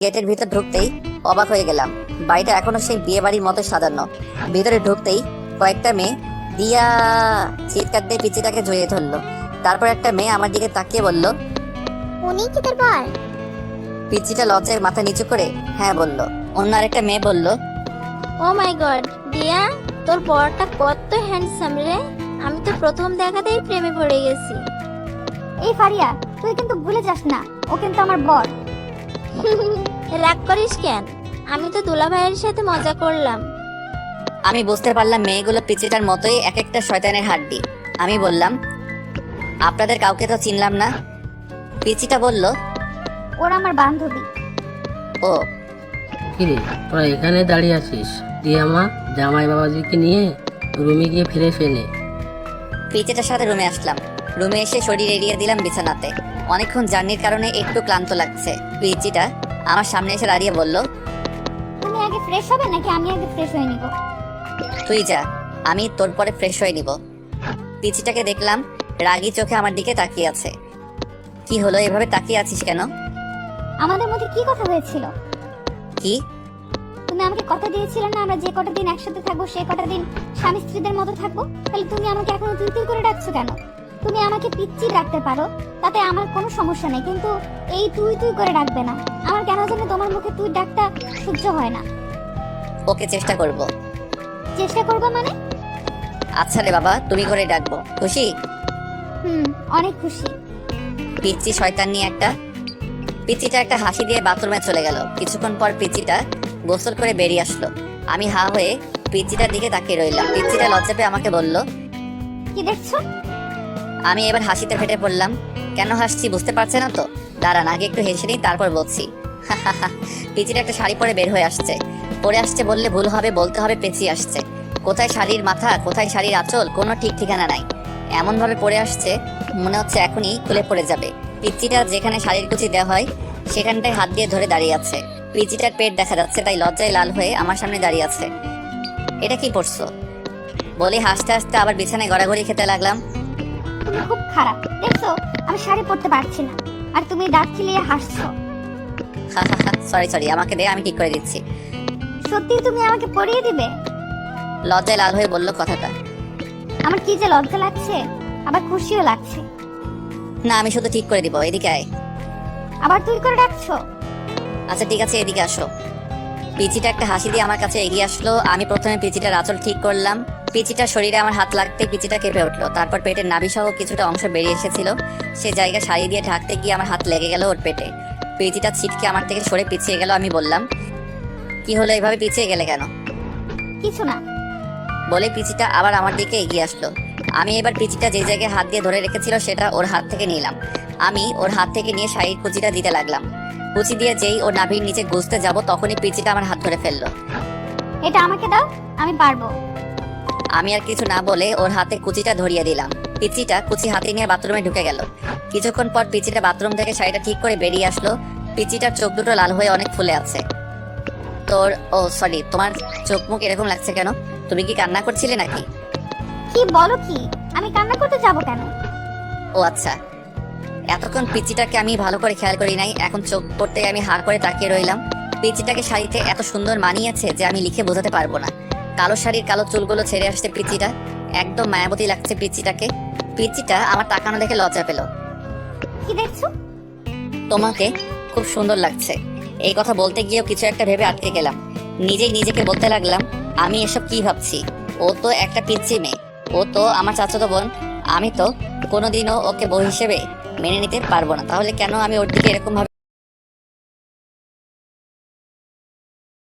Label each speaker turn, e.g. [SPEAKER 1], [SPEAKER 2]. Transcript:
[SPEAKER 1] গেটের ভিতর ঢুকতেই অবাক হয়ে গেলাম। বাড়িটা এখনো সেই বিয়ে বাড়ির মতো সাজানো। ভিতরে ঢুকতেই কয়েকটা মেয়ে দিয়া চিৎকার দিয়ে পিচিটাকে জড়িয়ে ধরলো। তারপর একটা মেয়ে আমার দিকে তাকিয়ে বলল,
[SPEAKER 2] উনি কি তোর বর?
[SPEAKER 1] পিচিটা লজ্জায় মাথা নিচু করে হ্যাঁ বলল। অন্য আরেকটা মেয়ে বলল,
[SPEAKER 3] ও মাই গড দিয়া, তোর বরটা কত হ্যান্ডসাম রে। আমি তো প্রথম দেখাতেই প্রেমে পড়ে গেছি।
[SPEAKER 2] এই ফারিয়া, তুই কিন্তু ভুলে যাস না, ও কিন্তু আমার বর।
[SPEAKER 3] রাগ করিস কেন? আমি তো দুলা ভাইয়ের সাথে মজা করলাম।
[SPEAKER 1] আমি বুঝতে পারলাম মেয়েগুলো পিচিটার মতোই এক একটা শয়তানের হাড্ডি। আমি বললাম, আপনাদের কাউকে তো চিনলাম না। পিচিটা বলল,
[SPEAKER 2] ওরা আমার বান্ধবী।
[SPEAKER 1] ও
[SPEAKER 4] কিরে, তোরা এখানে দাঁড়িয়ে আছিস? দিয়া মা, জামাই বাবাজিকে নিয়ে রুমে গিয়ে ফ্রেশ হয়ে নে।
[SPEAKER 1] পিচিটার সাথে রুমে আসলাম। রুমে এসে শরীর এড়িয়ে দিলাম বিছানাতে। অনেকক্ষণ জার্নির কারণে একটু ক্লান্ত লাগছে। পিচিটা আমার সামনে এসে দাঁড়িয়ে বলল,
[SPEAKER 2] তুমি আগে ফ্রেশ হবে নাকি আমি আগে ফ্রেশ হয়ে নিব?
[SPEAKER 1] তুই যা, আমি তোর পরে ফ্রেশ হয়ে নিব। পিচিটাকে দেখলাম রাগী চোখে আমার দিকে তাকিয়ে আছে। কি হলো, এভাবে তাকিয়ে আছিস কেন?
[SPEAKER 2] আমাদের মধ্যে কি কথা হয়েছিল?
[SPEAKER 1] কি?
[SPEAKER 2] তুমি আমাকে কথা দিয়েছিলে না আমরা যে কটা দিন একসাথে থাকবো সে কটা দিন স্বামী স্ত্রীদের মতো থাকবো। তাহলে তুমি আমাকে এখনো তুই তুই করে ডাকছো কেন? তুমি আমাকে পিচ্চি ডাকতে পারো, তাতে আমার কোনো সমস্যা নেই, কিন্তু এই তুই তুই করে ডাকবে না। আমার কেন জানি তোমার মুখে তুই ডাকটা সহ্য হয় না।
[SPEAKER 1] ওকে, চেষ্টা করব।
[SPEAKER 2] চেষ্টা করবা মানে?
[SPEAKER 1] আচ্ছা রে বাবা, তুমি করে ডাকবো। খুশি?
[SPEAKER 2] অনেক খুশি।
[SPEAKER 1] পিচ্চি শয়তান নিয়ে একটা। পিচিটা একটা হাসি দিয়ে বাথরুমে চলে গেল। কিছুক্ষণ পর পিচিটা গোসল করে বেরিয়ে আসলো। আমি হা হয়ে পিচিটার দিকে তাকিয়ে রইলাম। পিচিটা লজ্জা পেয়ে আমাকে বলল,
[SPEAKER 2] কি দেখছো?
[SPEAKER 1] আমি এবার হাসিতে ফেটে পড়লাম। কেন হাসছি বুঝতে পারছে না তো? দাঁড়ান, আগে একটু হেসে নিই, তারপর বলছি। পিচিটা একটা শাড়ি পরে বের হয়ে আসছে। পরে আসছে বললে ভুল হবে, বলতে হবে পেঁচিয়ে আসছে। কোথায় শাড়ির মাথা, কোথায় শাড়ির আঁচল, কোনো ঠিক ঠিকানা নাই। এমন ভাবে পরে আসছে মনে হচ্ছে এখনই খুলে পড়ে যাবে। পিচিটা যেখানে শাড়ির কুচি দেওয়া হয় সেখানটায় হাত দিয়ে ধরে দাঁড়িয়ে আছে। পিচিটার পেট দেখা যাচ্ছে, তাই লজ্জায় লাল হয়ে আমার সামনে দাঁড়িয়ে আছে। এটা কি পড়ছো বলে হাসতে হাসতে আবার বিছানায় গড়াগড়ি খেতে লাগলাম।
[SPEAKER 2] তুমি খুব খারাপ। দেখছো আমি শাড়ি পরতে পারছি না, আর তুমি দাঁত চিলিয়ে হাসছো।
[SPEAKER 1] সরি, আমাকে দে, আমি ঠিক করে দিচ্ছি।
[SPEAKER 2] সত্যি তুমি আমাকে পরিয়ে দিবে?
[SPEAKER 1] লজ্জায় লাল হয়ে বলল কথাটা।
[SPEAKER 2] আমার কি যে লজ্জা লাগছে, আবার খুশিও লাগছে।
[SPEAKER 1] না, আমি শুধু ঠিক করে দিব, এদিকে আয়।
[SPEAKER 2] আবার তুই করে ডাকছো?
[SPEAKER 1] আচ্ছা ঠিক আছে, এদিকে আসো। পিচিটা একটা হাসি দিয়ে আমার কাছে এগিয়ে আসলো। আমি প্রথমে পিচিটার আঁচল ঠিক করলাম। পিচিটার শরীরে আমার হাত লাগতে পিচিটা কেঁপে উঠলো। তারপর পেটের নাভি সহ কিছুটা অংশ বেরিয়ে এসেছিল। সে জায়গা শাড়ি দিয়ে ঢাকতে গিয়ে আমার হাত লেগে গেল ওর পেটে। পিচিটা ছিটকে আমার থেকে সরে পিছিয়ে গেল। আমি বললাম, কি হলো, এভাবে পিছিয়ে গেলে কেন?
[SPEAKER 2] কিছু না।
[SPEAKER 1] বলে পিচিটা আবার আমার দিকে এগিয়ে আসলো। আমি এবার পিচিটা যে জায়গায় হাত দিয়ে ধরে রেখেছিল সেটা ওর হাত থেকে নিলাম। আমি ওর হাত থেকে নিয়ে শাড়ির কুচিটা দিতে লাগলাম। কুচি দিয়ে যেই ওর নাভির নিচে গুজতে যাব তখনই পিচিটা আমার হাত ধরে ফেললো।
[SPEAKER 2] এটা আমাকে দাও, আমি পারবো।
[SPEAKER 1] আমি আর কিছু না বলে ওর হাতে কুচিটা ধরিয়ে দিলাম। পিচিটা কুচি হাতে নিয়ে বাথরুমে ঢুকে গেল। কিছুক্ষণ পর পিচিটা বাথরুম থেকে শাড়িটা ঠিক করে বেরিয়ে আসলো। পিচিটার চোখ দুটো লাল হয়ে অনেক ফুলে আছে। সরি, তোমার চোখ মুখ এরকম লাগছে কেন? তুমি কি কান্না করছিলে নাকি?
[SPEAKER 2] কি বলো কি? আমি কান্না করতে যাব কেন?
[SPEAKER 1] ও আচ্ছা, এতক্ষণ পিচিটাকে আমি ভালো করে খেয়াল করি নাই। এখন চোখ পড়তে আমি হা করে তাকিয়ে রইলাম। পিচিটাকে শাড়িতে এত সুন্দর মানিয়েছে যে আমি লিখে বোঝাতে পারবো না। কালো শাড়ির কালো চুলগুলো ছেড়ে আসছে পিচিটা, একদম মায়াবতী লাগছে পিচিটাকে। পিচিটা আমার তাকানো দেখে লজ্জা পেল।
[SPEAKER 2] কি দেখছো?
[SPEAKER 1] তোমাকে খুব সুন্দর লাগছে। এই কথা বলতে গিয়েও কিছু একটা ভেবে আটকে গেলাম। নিজেই নিজেকে বলতে লাগলাম, আমি এসব কি ভাবছি? ও তো একটা পিচ্চি মেয়ে, ও তো আমার চাচাতো বোন। আমি তো কোনোদিনও ওকে বউ হিসেবে মেনে নিতে পারবো না। তাহলে কেন আমি ওর দিকে এরকম ভাবে